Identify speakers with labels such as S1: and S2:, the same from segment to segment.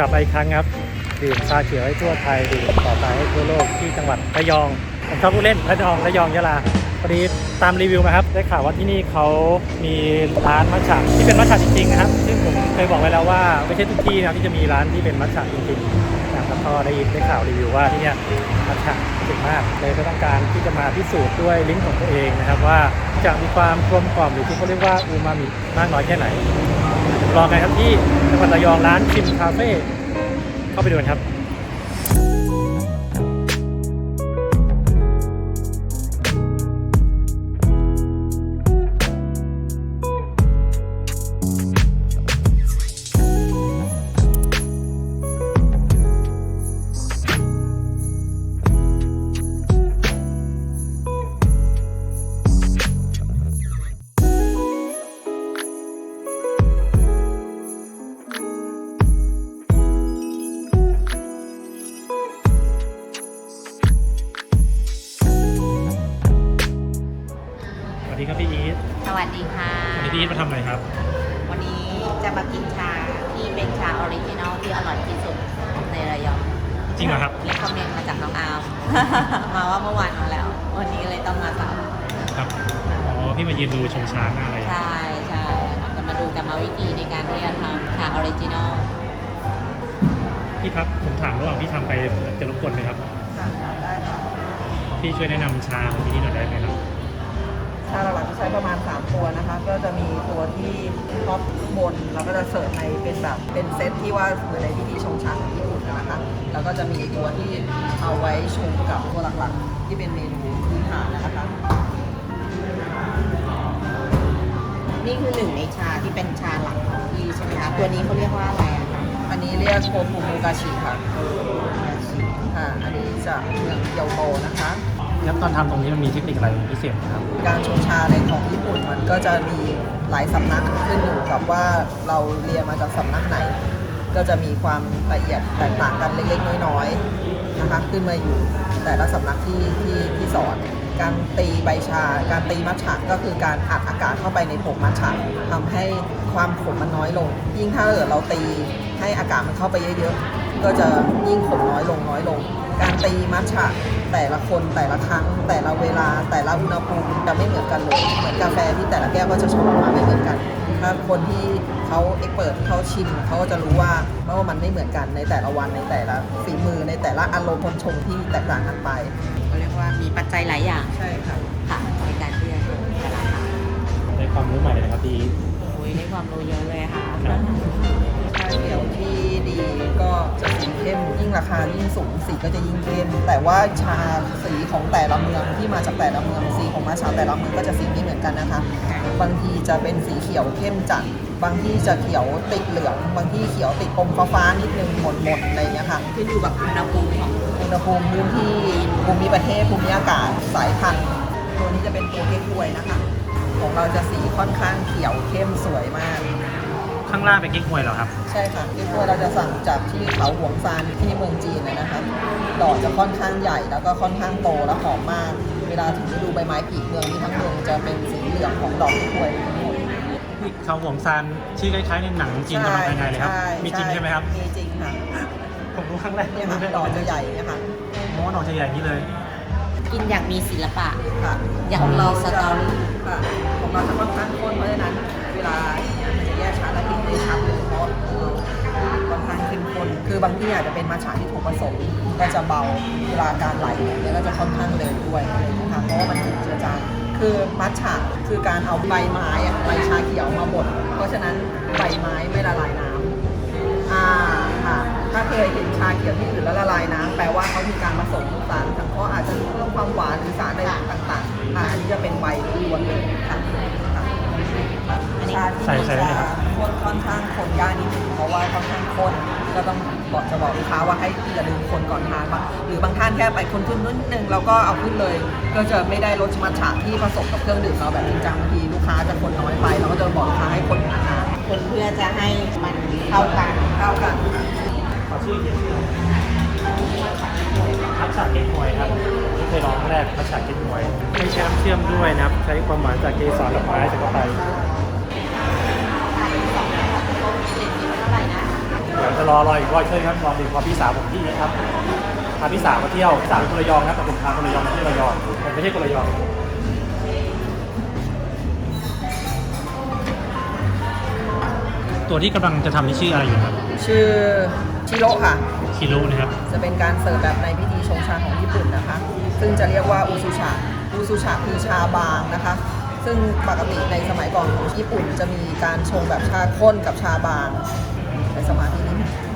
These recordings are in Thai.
S1: ลับมาอีกครั้งครับดื่มชาเขียวให้ทั่วไทยดื่มต่อไปให้ทั่วโลกที่จังหวัดระยองผมชอบผู้เล่นระยองยะลาพอดีตามรีวิวมาครับได้ข่าวว่าที่นี่เขามีร้านมัทฉะที่เป็นมัทฉะจริงๆนะครับซึ่งผมเคยบอกไว้แล้วว่าไม่ใช่ทุกที่นะที่จะมีร้านที่เป็นมัทฉะจริงๆแล้วก็ได้ข่าวรีวิวว่าที่นี่มัทฉะเก่งมากเลยก็ต้องการที่จะมาพิสูจน์ด้วยลิ้นของตัวเองนะครับว่าจะมีความกลมกล่อมหรือที่เขาเรียกว่าอูมามิมากน้อยแค่ไหนรอกันครับที่จังหวัดระยองร้านชิมคาเฟ่เข้าไปดูกันครับสวัสดีครับพี่อีท
S2: สวัสดีค่ะ
S1: วันนี้พี่อีทมาทำอะไรครับ
S2: วันนี้จะมากินชาที่เป็นชาออริจินอลที่อร่อยที่สุดในระยอง
S1: จริงเหรอครับ
S2: เรียกคอมเมนต์มาจากน้องอาร์ม มาว่าเมื่อวานมาแล้ววันนี้เลยต้องมาสั่ง
S1: ครับอ๋อพี่มายืนดูชมช้างอะไร
S2: ใช่จะมาดูกรรมวิธีในการที่จะทำชาออริจินอล
S1: พี่ครับผมถามระหว่างพี่ทำไปจะรบกวนไหมครับ
S3: ได้ค่ะ
S1: พี่ช่วยแนะนำชาของที่นี่หน่อยได้ไหมครับ
S3: ชาหลักๆจะใช้ประมาณ3ตัวนะคะก็จะมีตัวที่ท็อปบนแล้วก็จะเสิร์ฟในเป็นแบบเป็นเซตที่ว่าเหมือนในพิธีชงชาของญี่ปุ่นนะคะแล้วก็จะมีตัวที่เอาไว้ชงกับตัวหลักๆที่เป็นเมนูพื้นฐานนะคะ
S2: นี่คือหนึ่งในชาที่เป็นชาหลักของที่ใช่ไหมคะตัวนี้เขาเรียกว่าอะไรอ่ะ
S3: อันนี้เรียกโคฟูมูกาชิค่ะอันนี้จะเมืองเกียวโตนะคะ
S1: แล้วตอนทำตรงนี้มันมีเทคนิคอะไรพิเศษไหมครับ
S3: การชงชาในของญี่ปุ่นมันก็จะมีหลายสำนักขึ้นอยู่กับว่าเราเรียนมาจากสำนักไหนก็จะมีความละเอียดแตกต่างกันเล็กๆน้อยๆนะคะขึ้นมาอยู่แต่ละสำนักที่สอนการตีใบชาการตีมัทฉะก็คือการอัดอากาศเข้าไปในผงมัทฉะทำให้ความขมมันน้อยลงยิ่งถ้าเราตีให้อากาศมันเข้าไปเยอะๆก็จะยิ่งขมน้อยลงการตีมัทฉะแต่ละคนแต่ละครั้งแต่ละเวลาแต่ละอุณหภูมิจะไม่เหมือนกันเลยเหมือนกาแฟที่แต่ละแก้วก็จะชงออกมาไม่เหมือนกันถ้าคนที่เขาเอ็กเปิดเขาชิมเขาก็จะรู้ว่ามันไม่เหมือนกันในแต่ละวันในแต่ละฝีมือในแต่ละอารมณ์คนชงที่แตกต่างกันไป
S2: เขาเรียกว่ามีปัจจัยหลายอย่าง
S3: ใช่ค่ะ
S2: ในการที่จะชงแต่ละครั้ง
S1: ได้ความรู้ใหม่เลยนะครับพี่
S2: ได้ความรู้เยอะเลยค่ะ
S3: ชาเขียวที่ดีก็จะสีเข้มยิ่งราคายิ่งสูงสีก็จะยิ่งเข้มแต่ว่าชาสีของแต่ละเมืองที่มาจากแต่ละเมืองสีของมัทฉะแต่ละเมืองก็จะสีไม่เหมือนกันนะคะบางทีจะเป็นสีเขียวเข้มจัดบางที่จะเขียวติดเหลืองบางที่เขียวติดอมฟ้านิดนึงหม่นๆอะไรอย่างเงี้ยค่ะ
S2: ขึ้นอยู่กับอุณหภูมิของ
S3: อุณหภูมิพื้นที่ภูมิประเทศภูมิอากาศสายพันธุ์ตัวนี้จะเป็นตัวเก๊กฮวยนะคะของเราจะสีค่อนข้างเขียวเข้มสวยมาก
S1: ข้างล่างเป็นเก๊กฮวยเหรอครับ
S3: ใช่ค่ะเก๊กฮวยเราจะสั่งจากที่เขาหวงซานที่เมืองจีนเลยนะคะดอกจะค่อนข้างใหญ่แล้วก็ค่อนข้างโตและหอมมากเวลาถึงฤดูใบไม้ผลิเมืองนี้ทั้งเมืองจะเป็นสีเหลืองของดอกเก๊กฮวย
S1: ที่เขาหวงซานชื่อคล้ายๆในหนังจีนกำลังภายในเลยครับมีจริงใช่ไหมครับ
S3: มีจริงค่ะ
S1: ผมรู้ครั้งแรก
S3: เนี่ยค่ะดอกจะใหญ่เนี่ยค่ะ
S1: ดอกจะใหญ่นี่เลย
S2: กินอย่างมีศิลปะ
S3: ค่ะ
S2: อย่างมีสตอรี่
S3: ค่ะของเราจะค่อนข้างข้นเพราะฉะนั้นเวลามันจะแยกชาและกลิ่นได้ชัดเลยเพราะค่อนข้างเข้มข้นคือบางที่อาจจะเป็นมัทฉะที่ถูกผสมก็จะเบาเวลาการไหลเนี่ยก็จะค่อนข้างเร็วด้วยนะคะเพราะว่ามันถูกเจือจางคือมัทฉะคือการเอาใบไม้ใบชาเขียวมาบดเพราะฉะนั้นใบไม้ไม่ละลายน้ำค่ะถ้าเคยเห็นชาเขียวที่อื่นแล้วละลายน้ำแปลว่าเขามีการผสมสารสังเคราะห์อาจจะเพิ่มความหวานหรือสารอะไรต่างๆอันนี้จะเป็นใบล้วนเลยค่ะชาที่จะค่อนข้างคนยากนิดนึงเพราะว่าค่อนข้างข้นก็ต้องบอกลูกค้าว่าให้อย่าลืมคนก่อนทานบ้างหรือบางท่านแค่ไปคนขึ้นนิดนึงแล้วก็เอาขึ้นเลยก็จะไม่ได้รสมัทฉะที่ผสมกับเครื่องดื่มเราแบบจริงจังบางทีลูกค้าจะคนน้อยไปเราก็จะบอกลูกค้าให้คนนาน
S2: ๆคนเพื่อจะให้มันเข้ากัน
S1: ขอชื่อเย็นมัทฉะเก๊กฮวยครับที่เคยลองครั้งแรกมัทฉะเก๊กฮวยไม่ใช้น้ำเชื่อมด้วยนะครับใช้ความหวานจากเกสรดอกไม้จากเข้าไปเดี๋ยวจะรออีกร้อยเชิญครับลองดูพอพี่สาวผมที่นี่ครับพาพี่สาวมาเที่ยวสาวคนระยองครับแต่ผมพาคนระยองมาเที่ยวระยองผมไม่ใช่คนระยองตัวที่กำลังจะทำนี่ชื่ออะไรอยู่ครับ
S3: ชื่อชิโร่ค่ะ
S1: คิรุนะครับ
S3: จะเป็นการเสิร์ฟแบบในพิธีชงชาของญี่ปุ่นนะคะ ซึ่งจะเรียกว่าอูซูชาคือชาบางนะคะ ซึ่งปกติในสมัยก่อนของญี่ปุ่นจะมีการชงแบบชาข้นกับชาบางในสมาธินี้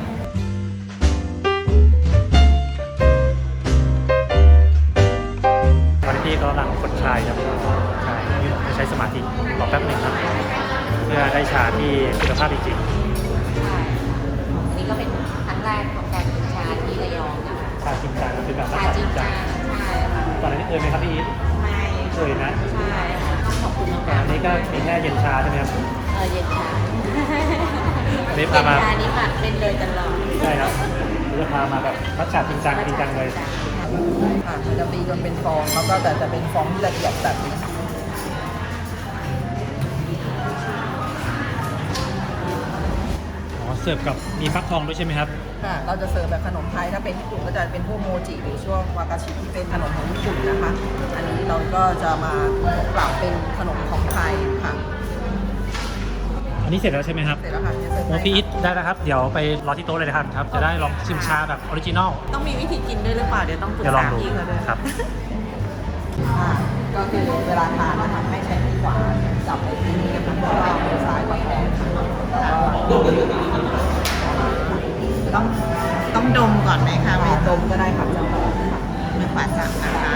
S1: ตอนนี้พี่กำลังกดชายครับใช่ที่ผมจะใช้สมาธิรอแป๊บหนึ่งครับเพื่อได้ชาที่คุณภาพจริง
S2: ใช่อันนี้ก็เป็นครั้งแรกของการกินชาที่ระยองนะคะ
S1: ๆชาจริงจังเป็นแบบ
S2: ชาจริงจังใช่ค่ะ
S1: ก่อนหน้านี้เคยไหมครับพี่อีท
S2: ไม่
S1: เคยนะ
S2: ใช่ค่ะต้องขอบคุณน้อง
S1: ก่อนหน้านี้ก็มีแค่เย็นชาใช่ไหมครับ
S2: เย็นชา
S1: อันนี้
S2: เย็น
S1: พามา
S2: ชานี้หมักเป็นเลยตลอด
S1: ใช่ครับเราจะพามาแบบมัทฉะจริงจังเลย
S3: ค่ะมันจะตีจนเป็นฟองแล้วก็แต่จะเป็นฟองที่ละเอียดแบบนี้
S1: อ๋อเสิร์ฟกับมีฟักทองด้วยใช่ไหมครับ
S3: ค่ะ เราจะเสิร์ฟแบบขนมไทย ถ้าเป็นญี่ปุ่นก็จะเป็นพวกโมจิหรือช่วงวากาชิที่เป็นขนมของญี่ปุ่นนะคะ อันนี้เราก็จะมาปรับเป็นขนมของไทยค่ะ
S1: อันนี้เสร็จแล้วใช่ไหมครับ
S3: เสร็จแล้วค่ะจะเสิร์ฟ
S1: โม
S3: ให้
S1: พี่อีทได้แล้วครับเดี๋ยวไปรอที่โต๊ะเลยนะครับ จะได้ลองชิมชาแบบออริจินอล
S3: ต้องมีวิธีกินด้วยหรือเปล่า เดี๋ยวต้องปรึก
S1: เดี๋ยวลอ
S3: ษาง
S1: ดู
S3: พี่เขาด้วย
S1: ครับ
S3: ค่ะก็คือเวลาทานนะคะให้ใช้ที่ขวาจับในที่นี้นะคะแล้วก็มือซ้ายประคองค่ะ
S2: ต้องดมก่อนไหมคะ
S3: ไม่ดมก็ได้ค่ะจะหอมค่ะ
S2: มือขวาจับนะคะ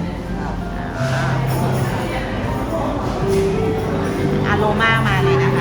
S2: อโรมามาเลยนะคะ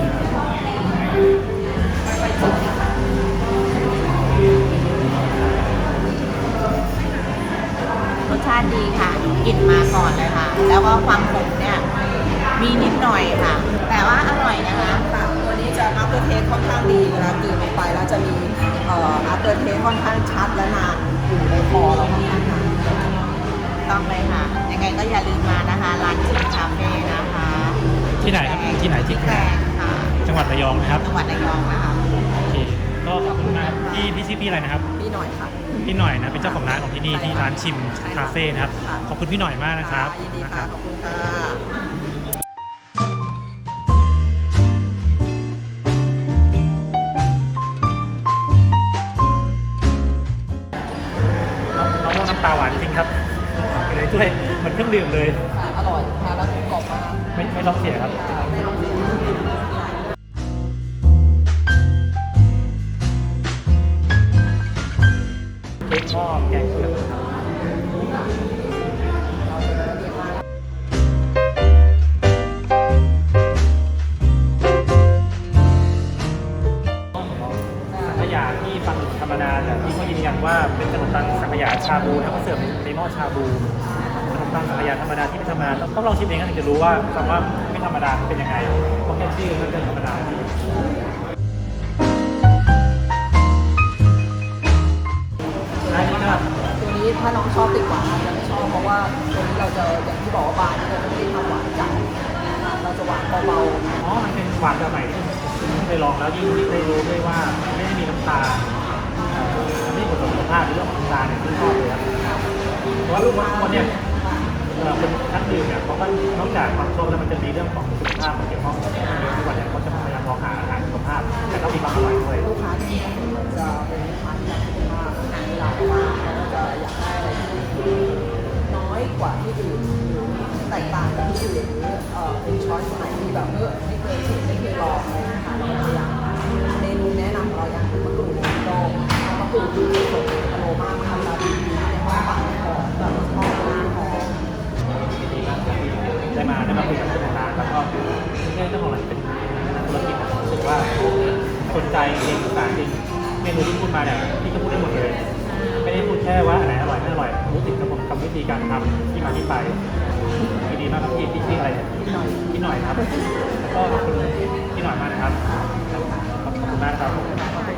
S2: รสชาติดีค่ะกลิ่นมาก่อนเลยค่ะ แล้วก็ความขมเนี่ยมีนิดหน่อยค่ะ แต่ว่าอร่อยนะคะ
S3: ค่ะตัวนี้จะ after taste ค่อนข้างดีเวลากลืนลงไปแล้วจะมีafter taste ค่อนข้างชัดและนานอยู่ในคอเราค่อนข้างนาน
S2: ต้องเลยค่ะ ยังไงก็อย่าลืมมานะคะ ร้านชิมคาเฟ่นะคะ
S1: ที่ไหนครับที่ไหนที่
S2: ที่แกลงค่ะ
S1: จังหวัดระยองนะครับ
S2: จังหวัดระยองนะคะ
S1: โอเคก็ขอบคุณมากพี่ชื่อพี่อะไรนะครับ
S3: พี่หน่อยค่ะ
S1: พี่หน่อยนะเป็นเจ้าของร้านของที่นี่ที่ร้านชิมคาเฟ่นะครับ
S3: ค่ะ
S1: ขอบคุณพี่หน่อยมากนะครับ
S3: ยินดี
S1: นะค
S3: ค่ะ
S1: รับ
S3: ขอบคุณค่ะ
S1: มะม่วงน้ำปลาหวานจริงครับอยู่ในถ้วยเหมือนเครื่องดื่มเลย
S3: ค่ะอร่อยทานแล้วกรอบมาก
S1: ไม่ต้องเสียครับ
S3: ไม่ต้องเสีย
S1: เค้กหม้อแกงเผือกครับ สังขยาที่ฟังธรรมดาแต่ที่เขายืนยันว่าเป็นขนมปังสังขยาชาบูนะเขาเสิร์ฟในหม้อชาบูขนมปังสังขยาธรรมดาที่ไม่ธรรมดาต้องลองชิมเองถึงจะรู้ว่าคำว่าไม่ธรรมดาเป็นยังไงเพราะแค่ชื่อมันเป็นธรรมดาอันนี้ครับ
S3: ตัวนี้ถ้าน้องชอบติดหวานอาจจะไม่ชอบเพราะว่าตัวนี้เราจะอย่างที่บอกว่าบานเราจะไม่ได้ทำหวานจัดเราจะหวานเบา
S1: อ๋อมันเป็นหวานแบบใหม่ที่ผมเคยลองแล้วยิ่งได้รู้ด้วยว่าไม่ได้มีน้ำตาลมันไม่ได้ผลต่อสุขภาพหรือเรื่องของน้ำตาลเนี่ยที่ชอบเลยครับเพราะว่าลูกคนเนี่ยคนนักดื่มเนี่ยเขาก็นอกจากความชอบแล้วมันจะมีเรื่องของสุขภาพมาเกี่ยวข้องกับเยอะทุกวันเนี่ยเขาจะพยายามมองหาอาหารสุขภาพแต่ต้องมีความอร่อยด้วย
S3: ๆลูกค้าที่จะเป็นลูกค้าที่รักสุขภาพอาหารที่เราว่าเขาก็จะอยากได้อะไรที่น้อยกว่าที่อื่นหรือแตกต่างจากที่อื่นหรือเป็นช้อยส์ไหนที่แบบไม่เคยชิมไม่เคยลองอะไรนะคะเราพยายามเมนูแนะนำของเราอย่างมะกรูดโดงมะกรูดคือสดอโรมามาลาดีในห้องปั่นหอมแบบหอมหอม
S1: ได้มาคุยกับเจ้าของร้านแล้วก็ไม่ใช่เจ้าของร้านเป็นนักธุรกิจรู้สึกว่าสนใจจริงศึกษาจริงเมนูที่พูดมาเนี่ยพี่ก็พูดได้หมดเลย ไม่ได้พูดแค่ว่าอันไหนอร่อยไม่อร่อยรู้ถึงกรรมวิธีการทำที่มาที่ไปดีมากครับพี่ชื่ออะไรเนี่ยพี่หน่อยครับแล้วก็ขอบคุณพี่หน่อยมากนะครับขอบคุณมากครับ